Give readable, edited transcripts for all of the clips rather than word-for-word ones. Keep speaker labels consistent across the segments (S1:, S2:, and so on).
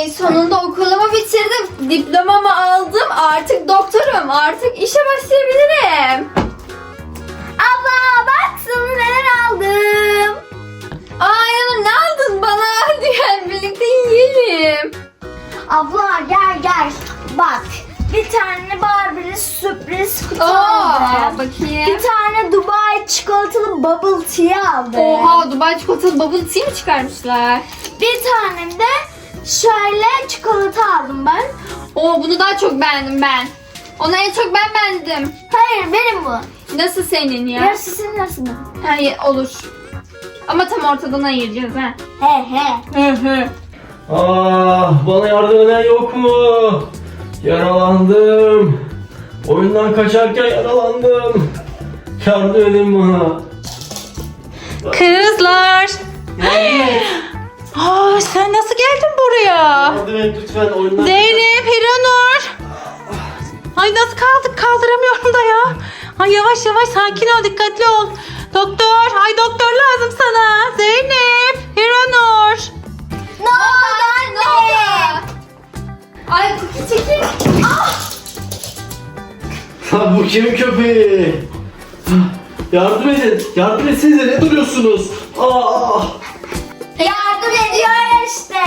S1: Ay sonunda okulumu bitirdim. Diplomamı aldım. Artık doktorum. Artık işe başlayabilirim. Abla bak sana neler aldım. Ay Yanur ne aldın bana? Hadi gel birlikte yiyelim.
S2: Abla gel. Bak. Bir tane Barbie'li sürpriz kutu
S1: Oo,
S2: aldım.
S1: bakayım.
S2: Bir tane Dubai çikolatalı bubble tea aldım.
S1: Oha Dubai çikolatalı bubble tea mi çıkarmışlar?
S2: Bir tane de şöyle çikolata aldım ben.
S1: Oo bunu daha çok beğendim ben. Onu en çok ben beğendim.
S2: Hayır benim bu.
S1: Nasıl senin ya?
S2: Yarısı senin yarısı benim.
S1: Hayır olur. Ama tam ortadan ayıracağız ha.
S2: He.
S3: Bana yardım eden yok mu? Yaralandım. Oyundan kaçarken yaralandım. Yardım edin bana.
S4: Kızlar. Sen nasıl geldin buraya?
S3: Yardım et lütfen oyundan.
S4: Zeynep, Hiranur. Ay nasıl kaldık? Kaldıramıyorum da ya. Ay yavaş sakin ol, dikkatli ol. Doktor, doktor lazım sana. Zeynep, Hiranur.
S2: Ne oldu anne?
S1: Ay Cookie çekil.
S3: Bu kimin köpeği? Yardım edin. Yardım etsenize ne duruyorsunuz?
S2: Yardım ediyor işte.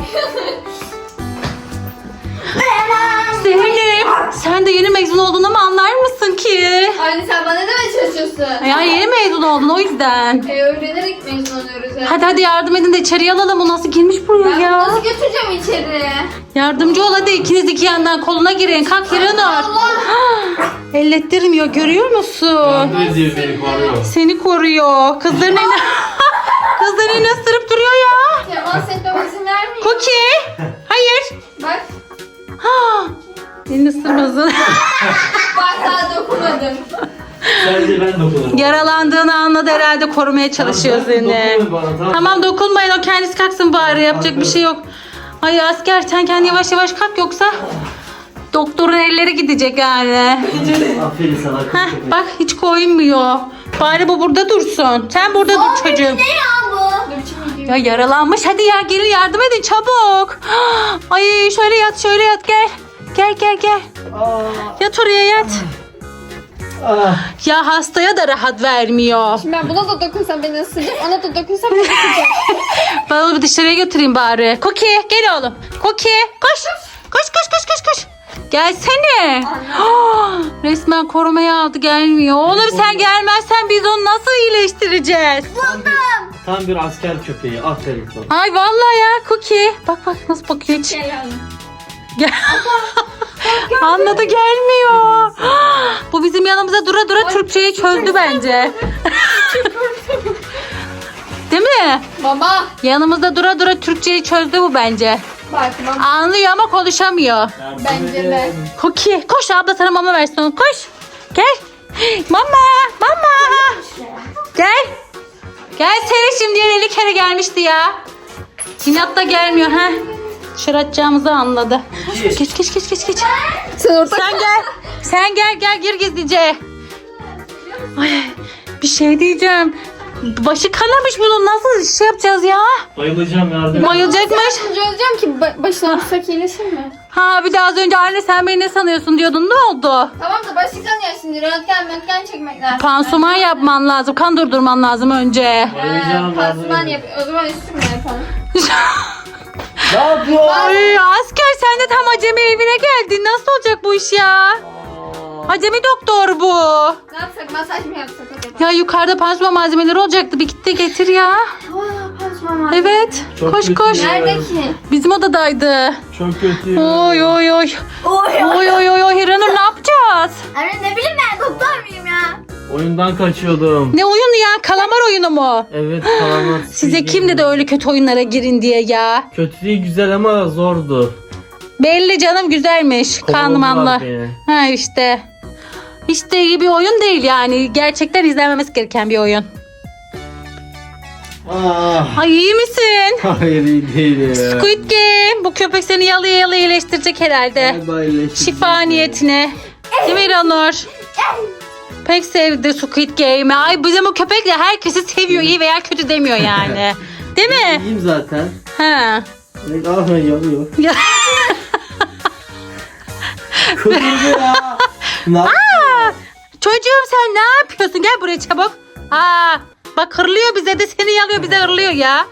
S4: Zeynep, sen de yeni mezun oldun ama anlar mısın ki?
S1: Anne sen bana ne demeye çalışıyorsun?
S4: Ya yeni mezun oldun o yüzden.
S1: Öğrenerek mezun oluyoruz ya.
S4: Hadi yardım edin de içeriye alalım. O nasıl girmiş buraya
S1: Ben bunu
S4: ya?
S1: nasıl götüreceğim içeri?
S4: Yardımcı ol hadi, ikiniz iki yandan koluna girin. Kalk Hiranur.
S1: Allah.
S4: Ellettirmiyor, görüyor musun?
S3: Yardım ediyor beni koruyor.
S4: Seni koruyor. Kızların elini ısırıp duruyor ya.
S1: Temas etmeme izin vermiyor.
S4: Cookie. Hayır.
S1: Bak.
S4: Ha. Elini ısırmasın.
S1: Bak daha dokunmadım.
S3: Sadece ben dokunurum.
S4: Yaralandığını anladı herhalde, korumaya çalışıyor
S3: Tamam,
S4: seni.
S3: dokunmayın bana, tamam.
S4: Tamam dokunmayın, o kendisi kalksın bari, yapacak bir şey yok. Ay asker, sen kendi yavaş kalk yoksa doktorun elleri gidecek yani.
S3: Aferin sana kız
S4: Heh,
S3: köpek.
S4: bak hiç koymuyor. Bari bu burada dursun. Sen burada dur çocuğum.
S2: Ne ya bu?
S1: Dur şimdi
S4: Ya yaralanmış, hadi ya gelin yardım edin çabuk. Ay şöyle yat gel. Gel. Yat oraya yat. Ya hastaya da rahat vermiyor.
S1: Şimdi ben buna da dokunsam beni ısıracak, ona da dokunsam beni ısıracak.
S4: Ben onu bir dışarıya götüreyim bari. Cookie gel oğlum. Cookie koş. Koş. Gelsene. Resmen korumaya aldı, gelmiyor. Oğlum sen gelmezsen biz onu nasıl iyileştireceğiz?
S3: Tam bir asker köpeği. Aferin sana.
S4: Ay vallahi ya Cookie. Bak nasıl bakıyor hiç. Gel. Anladı, gelmiyor. Bu bizim yanımıza dura Türkçeyi çözdü bence. Değil mi?
S1: Baba.
S4: Yanımızda dura Türkçeyi çözdü bu bence.
S1: Bak baba.
S4: Anlıyor ama konuşamıyor.
S1: Bence de.
S4: Cookie koş, abla sana mama versin onu, koş. Gel. Mama. Gel seni şimdi 50 kere gelmişti ya. İnat da gelmiyor ha. Dışarı atacağımızı anladı. Geç.
S1: Sen orada
S4: Sen gel gir gizlice. Ay, bir şey diyeceğim. Başı kanamış bunun, nasıl şey yapacağız ya?
S3: Bayılacağım, yardım et.
S4: Bayılacakmış.
S1: yardımcı olacağım ki başına vursak iyileşir mi?
S4: Ha bir de az önce anne sen beni ne sanıyorsun diyordun, ne oldu?
S1: Tamam da başı kanıyor şimdi. Röntgen çekmek lazım.
S4: Pansuman yapman lazım, kan durdurman lazım önce.
S3: Bayılacağım,
S1: Pansuman
S3: yardım
S1: yap.
S3: edin.
S1: O zaman üstümle yapalım.
S3: Ne yapıyor?
S4: Ay asker, sen de tam acemi evine geldin. Nasıl olacak bu iş ya? Acemi doktor bu.
S1: Ne yapsak? Masaj mı yapsak acaba?
S4: Ya yukarıda pansuman malzemeleri olacaktı. Bir git de getir ya.
S1: Pansuman var.
S4: Evet.
S3: Çok
S4: Koş.
S3: kötü.
S1: Nerede ki?
S4: Bizim odadaydı.
S3: Çok kötü.
S4: Oy. Hiranur ne yapacağız?
S2: Anne ne bileyim ben doktor muyum ya?
S3: Oyundan kaçıyordum.
S4: Ne oyunu ya? Kalamar oyunu mu?
S3: Evet, kalamar.
S4: Size kim dedi öyle kötü oyunlara girin diye ya?
S3: Kötü değil, güzel ama zordu.
S4: Belli canım, güzelmiş. Kanmanla.
S3: Kovaladılar beni.
S4: Ha işte. Hiç de iyi bir oyun değil yani. Gerçekten izlenmemesi gereken bir oyun. Ay iyi misin?
S3: Hayır, iyi değil ya.
S4: Squid Game. Bu köpek seni yalıya iyileştirecek herhalde. Şifa niyetine. Değil mi İranur? Pek sevdi Squid Game'i. Ay bizim o köpek de herkesi seviyor. İyi veya kötü demiyor yani. Değil mi?
S3: İyiyim zaten.
S4: Ha.
S3: Yanıyor.
S4: Ya.
S3: Kırıldı ya. Ne yapıyorsun?
S4: Çocuğum sen ne yapıyorsun? Gel buraya çabuk. Bak hırlıyor bize de seni yalıyor bize hırlıyor ya.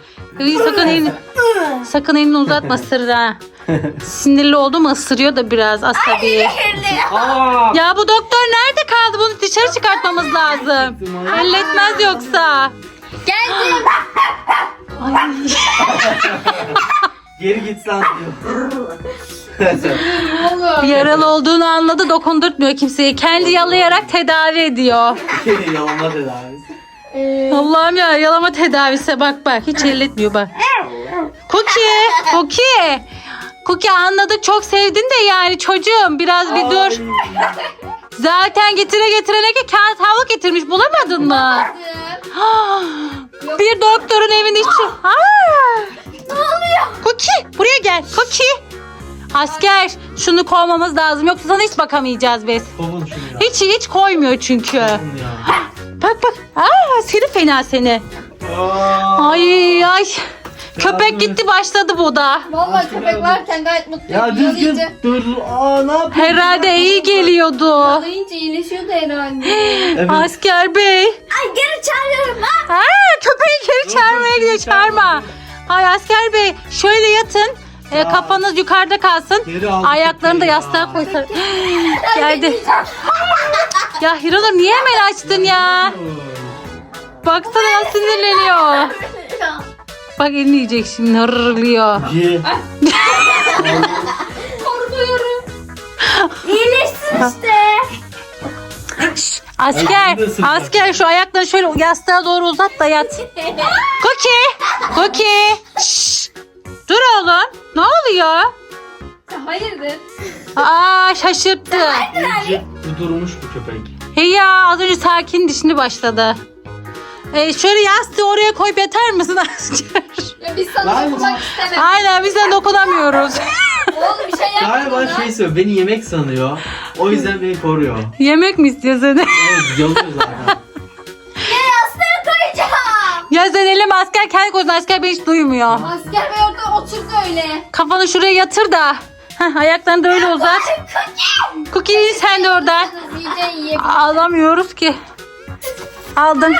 S4: Sakın elini uzatma ısırır ha. Sinirli oldu mu ısırıyor da biraz asabi.
S3: Aa!
S4: Ya bu doktor nerede kaldı? Bunu dışarı çıkartmamız lazım. Halletmez yoksa.
S1: Geldim.
S4: Ay.
S3: Geri git lan diyor.
S1: Oğlum.
S4: Yaralı olduğunu anladı, dokundurtmuyor kimseye. Kendi yalayarak tedavi ediyor.
S3: Yalama tedavisi.
S4: Allah'ım ya, yalama tedavisi bak hiç elletmiyor bak. Cookie anladık, çok sevdin de yani çocuğum biraz bir dur. Zaten getirene ki kağıt havlu getirmiş, bulamadın mı? Bir doktorun evin içi.
S1: Ne oluyor?
S4: Cookie buraya gel. Cookie. Asker şunu kovmamız lazım, yoksa sana hiç bakamayacağız biz.
S3: Kovun şunu ya.
S4: Hiç koymuyor çünkü.
S3: Kovun ya.
S4: Bak. Seni fena seni.
S3: Aa!
S4: Ay. Köpek gitti, başladı bu da.
S1: Vallahi köpek varken gayet mutluyum.
S3: Ya düzgün
S1: Yalayınca,
S3: dur. Ne yapıyorsun?
S4: Herhalde iyi geliyordu.
S1: yalayınca iyileşiyordu herhalde.
S3: Evet.
S4: Asker bey.
S2: Ay geri çağırıyorum ha.
S4: Köpeği geri çağırmaya gidiyor, çağırma. Ay asker bey şöyle yatın. Kafanız yukarıda kalsın.
S3: Geri aldı
S4: Ayaklarını da
S3: köpeği
S4: yastığa
S3: ya.
S4: koysan. Geldi. Ya Hiranur niye hemen açtın ya? Baksana ya, sinirleniyor. Bak elini yiyecek şimdi, hırlıyor.
S3: Ye.
S1: Korkuyorum.
S2: İyileşsin işte.
S4: Asker,
S3: Ay, nasıl
S4: asker şu ayaklarını şöyle yastığa doğru uzat da yat. Cookie. Şşş. Dur oğlum. Ne oluyor?
S1: Hayırdır?
S4: Şaşırttı.
S3: İyice durmuş bu köpek.
S4: Hey ya, az önce sakindi, şimdi başladı. Şöyle yastığı oraya koyup yatar mısın asker?
S1: Ya biz sana
S3: Lan.
S1: dokunmak istemem.
S4: Aynen, biz de dokunamıyoruz.
S1: Oğlum bir şey yapmadın
S3: Galiba
S1: lan.
S3: söylüyor. Beni yemek sanıyor. O yüzden beni koruyor.
S4: Yemek mi istiyor seni?
S3: Evet, yalıyor zaten.
S2: Yastığı koyacağım.
S4: Ya sen elime, asker kendi koysun, asker beni hiç duymuyor.
S1: Asker bey orada oturdu öyle.
S4: Kafanı şuraya yatır da. Ayaklarını da öyle uzat. Cookie sen de oradan.
S1: İyice yiyelim.
S4: Alamıyoruz ki. Aldın.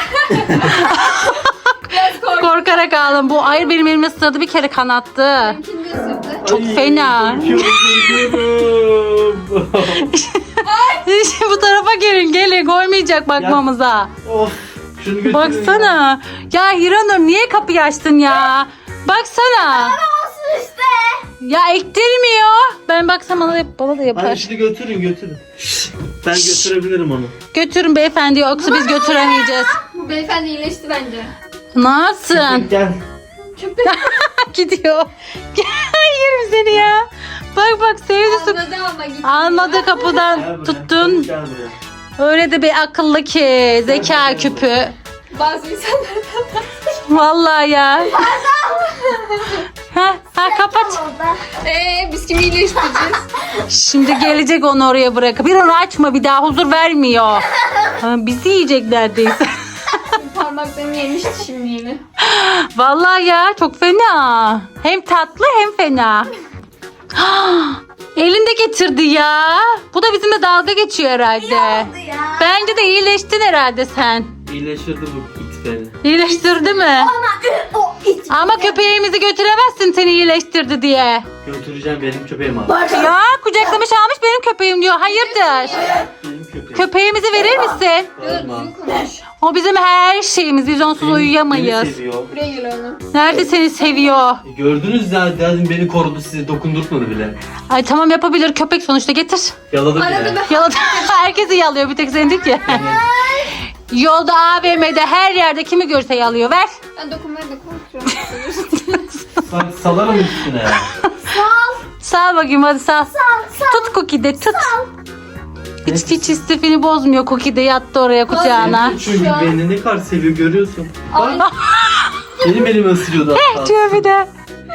S1: Biraz korktum.
S4: Korkarak aldım. Bu ayır benim elime ısırdı, bir kere kanattı.
S1: Kim de ısırdı?
S4: Çok fena.
S3: Korkuyorum.
S4: Bu tarafa gelin koymayacak bakmamıza.
S3: Of. Şunu götürün.
S4: Baksana. Ya Hiranur niye kapıyı açtın ya? Baksana.
S2: Olsun işte.
S4: Ya ektirmiyor. Ben baksam bana da yapar.
S3: Hadi şunu götürün. Ben götürebilirim onu.
S4: Götürün beyefendi, yoksa biz götüremeyeceğiz.
S1: Bu beyefendi iyileşti bence.
S4: Nasılsın?
S3: Gel.
S1: Köpek
S4: Gidiyor. Yerim seni ya. Bak sevdi.
S1: anladı ama gitti.
S4: Almadı kapıdan
S3: Gel buraya.
S4: tuttun.
S3: Gel buraya.
S4: Öyle de bir akıllı ki. Zeka küpü.
S1: Bazı insanlardan.
S4: Vallahi ya. ha kapat.
S2: Oldu.
S1: Biz kimi iyileştireceğiz?
S4: Şimdi gelecek, onu oraya bırakıp. Bir onu açma, bir daha huzur vermiyor. Bizi yiyecek neredeyse.
S1: Parmaklarını yemişti şimdi yine.
S4: Vallahi ya, çok fena. Hem tatlı hem fena. Elinde getirdi ya. Bu da bizimle dalga geçiyor herhalde.
S2: Oldu ya.
S4: Bence de iyileştin herhalde sen.
S3: İyileştirdi bu it beni.
S4: İyileştirdi mi?
S2: Ama o it.
S4: Ama köpeğimizi götüremezsin seni iyileştirdi diye.
S3: Götüreceğim, benim köpeğim abi.
S4: Ya kucaklamış almış, benim köpeğim diyor. Hayırdır?
S3: Benim köpeğim.
S4: Köpeğimizi verir misin?
S3: Vermem.
S1: Düzgün konuş.
S4: O bizim her şeyimiz. Biz onsuz uyuyamayız.
S3: Beni seviyor.
S1: Buraya gel oğlum.
S4: Nerede seni seviyor?
S3: Gördünüz zaten, beni korudu, sizi dokundurtmadı bile.
S4: Ay tamam, yapabilir, köpek sonuçta, getir.
S3: Yaladı
S1: Arada
S3: bile.
S1: ben
S4: Yaladı. Herkesi yalıyor, bir tek seni değil ki. Yolda, AVM'de, her yerde kimi görse yalıyor. Ver.
S1: dokunmaya da korkuyorum.
S3: Salarım üstüne.
S4: Sağ bakayım, hadi sağ. Tut Cookie de, tut. Hiç istifini bozmuyor Cookie de, yattı oraya kucağına.
S3: Çünkü beni ne kadar seviyor, görüyorsun.
S1: Ay.
S3: Bak. Benim elimi ısırıyordu.
S4: Diyor bir de.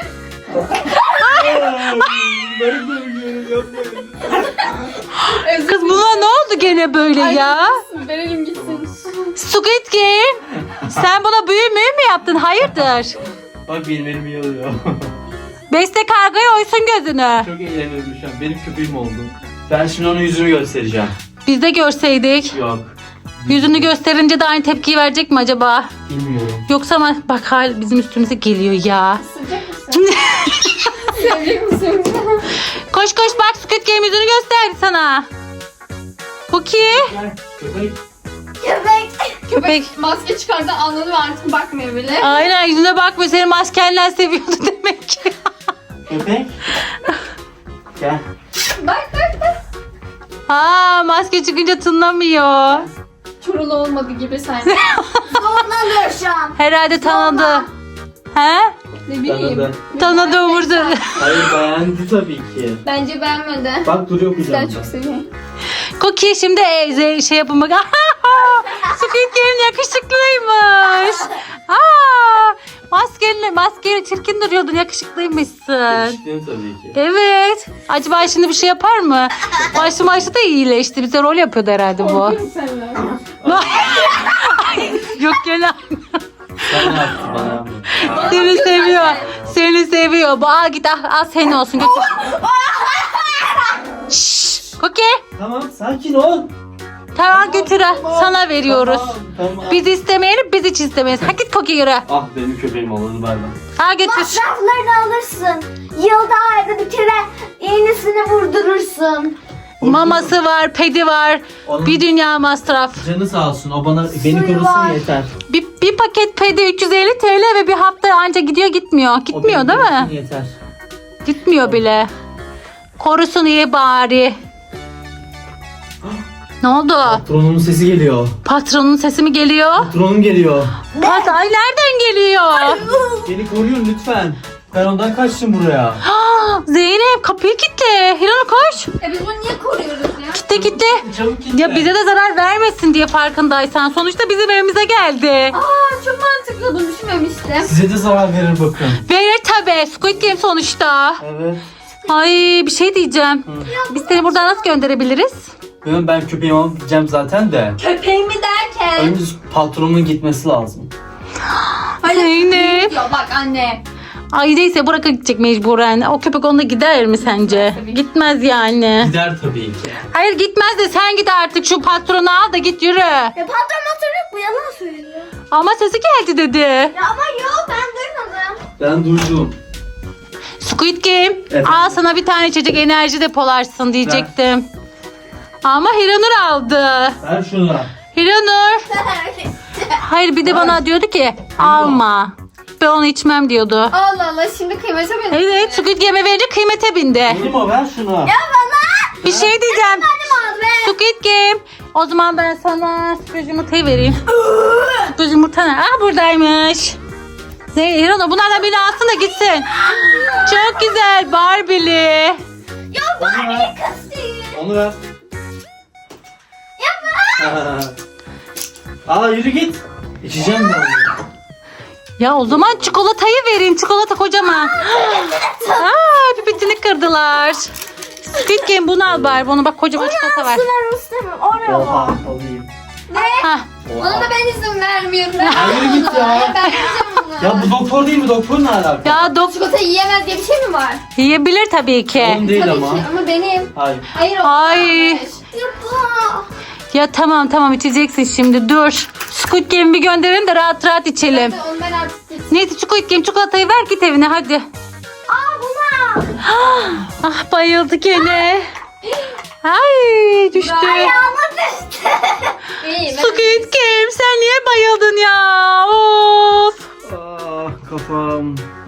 S3: Ben böyle yapmayın.
S4: Kız buna ne oldu gene böyle ya?
S1: Verelim gitsin.
S4: Squid Game. Sen buna büyü mü yaptın? Hayırdır?
S3: Bak benim elimi yalıyor.
S4: Besle kargayı oysun gözünü.
S3: Çok eğleniyorum şu an. Benim köpeğim oldu. Ben şimdi onun yüzünü göstereceğim.
S4: Biz de görseydik.
S3: Yok.
S4: Yüzünü gösterince de aynı tepkiyi verecek mi acaba?
S3: Bilmiyorum.
S4: Yoksa ama bak hal bizim üstümüze geliyor ya.
S1: Sıcak mısın? Sevecek misin?
S4: Koş koş bak Squid Game yüzünü gösterdi sana. Cookie.
S3: Gel köpek.
S2: Köpek.
S4: Köpek.
S1: Maske çıkardı anladım artık bakmıyor bile.
S4: Aynen yüzüne bakmıyor. Seni maskenle seviyordu demek ki.
S3: Köpek. Gel.
S1: Bak bak bak.
S4: Aa maske çıkınca tınlamıyor.
S1: Çorulu olmadı gibi sanki.
S2: Zorlanıyor şu an.
S4: Herhalde tanıdı. He?
S1: Ne bileyim.
S3: Tanıdı.
S4: Tanıdı umurdu.
S3: Hayır beğendi tabii ki.
S1: Bence beğenmedi.
S3: Bak duruyor
S1: Ben
S3: kucağımda.
S1: çok seviyorum.
S4: Cookie şimdi şey yapın bak. Squid Game yakışıklıymış. Aa, maskeyle çirkin duruyordun yakışıklıymışsın.
S3: İçtim tabii ki.
S4: Evet. Acaba şimdi bir şey yapar mı? Başlı da iyileşti. Bize rol yapıyordu herhalde bu.
S1: Korkuyorum senden.
S4: Yok gene.
S3: Sana yaptı bana yaptı.
S4: Seni seviyor. Seni seviyor. Bu git al senin olsun götür. Şşş. Cookie.
S3: Tamam sakin ol.
S4: Tamam götür al. Sana veriyoruz.
S3: Tamam.
S4: Biz istemeyelim biz hiç istemeyiz. Ha git Cookie yürü.
S3: Ah benim köpeğim oldu bay bay.
S4: Ha götür.
S2: Masraflarını alırsın. Yılda ayda bir kere iğnesini vurdurursun.
S4: Maması var, pedi var.
S3: Onun-
S4: Bir dünya masraf.
S3: Canı sağ olsun o beni
S2: Suyu
S3: korusun
S2: var.
S3: yeter.
S4: Bir paket pedi 350 TL ve bir hafta anca gidiyor gitmiyor.
S3: O
S4: Gitmiyor
S3: beni
S4: değil
S3: korusun
S4: mi?
S3: Yeter.
S4: Gitmiyor bile. Korusun iyi bari. Ne oldu?
S3: Patronun sesi geliyor.
S4: Patronun sesi mi geliyor?
S3: Patronum geliyor.
S4: Ay nereden geliyor?
S3: Beni koruyun lütfen. Ben ondan kaçtım buraya.
S4: Zeynep kapıyı kilitle. Hiranur koş.
S1: Biz bunu niye koruyoruz ya?
S4: Kitle.
S3: Çabuk git.
S4: Ya bize de zarar vermesin diye farkındaysan. Sonuçta bizim evimize geldi.
S1: Çok mantıklı bunu düşünmemiştim.
S3: Size de zarar verir bakın.
S4: Verir tabii. Squid Game sonuçta.
S3: Evet.
S4: Ay bir şey diyeceğim. Biz seni buradan nasıl gönderebiliriz?
S3: Ben köpeğimi alıp gideceğim zaten de.
S1: Köpeğimi derken.
S3: Önce patronumun gitmesi lazım.
S4: Zeynep.
S1: Ya bak anne.
S4: Ay neyse bırakıp gidecek mecburen. O köpek onunla gider mi sence?
S1: Tabii ki.
S4: Gitmez yani.
S3: Gider tabii ki.
S4: Hayır gitmez de sen git artık şu patronu al da git yürü.
S2: Ya patron yok bu yalan söylüyor.
S4: Ama sesi geldi dedi.
S2: Ya ama yok ben duymadım.
S3: Ben duydum.
S4: Squid Game
S3: Evet.
S4: al sana bir tane içecek enerji depolarsın diyecektim. Ama Hiranur aldı.
S3: Ver şunu.
S4: Hiranur. Hayır bir de bana diyordu ki alma. Ben onu içmem diyordu.
S1: Allah Allah şimdi kıymete bindi.
S4: Evet Squid Game'e verince kıymete bindi.
S3: Benim o ver şunu.
S4: Bir şey diyeceğim. Squid Game. O zaman ben sana sürpriz yumurtayı vereyim. Sürpriz yumurta ne? Buradaymış. Hiranur bunlardan birini alsın da gitsin. Çok güzel Barbie'li.
S3: Onu ver.
S2: Kız değil.
S3: Onu ver. Yapma. Aa yürü git. İçeceğim ben onu.
S4: Ya o zaman çikolatayı verin. Çikolata kocaman. Pipetini kırdılar. Squid Game bunu al bari. Bunu bak kocaman çikolata var.
S2: Ben istemiyorum. Oraya
S3: Oha
S2: var.
S3: alayım.
S4: Hah.
S1: Ona da ben izin vermiyorum.
S3: Ya yürü git ya.
S1: Ben yiyeceğim onu.
S3: Ya bu doktor değil mi? Doktor ne alaka?
S4: Ya
S1: Çikolata yiyemez diye bir şey mi var?
S4: yiyebilir tabii ki.
S3: Onun değil
S1: Tabii
S3: ama.
S1: ki ama benim.
S3: Hayır.
S1: Hayır o.
S4: Ay.
S2: Yapma.
S4: Ya tamam içeceksin şimdi dur. Squid Game'i bir gönderin de rahat rahat içelim.
S1: Onu ben artık git.
S4: Neyse Squid Game çikolatayı ver git evine hadi.
S2: Aa buna.
S4: Ah bayıldı gene. Ay düştü.
S2: Ayağıma düştü.
S1: İyi ben.
S4: Squid Game sen niye bayıldın ya? Of.
S3: Ah kafam.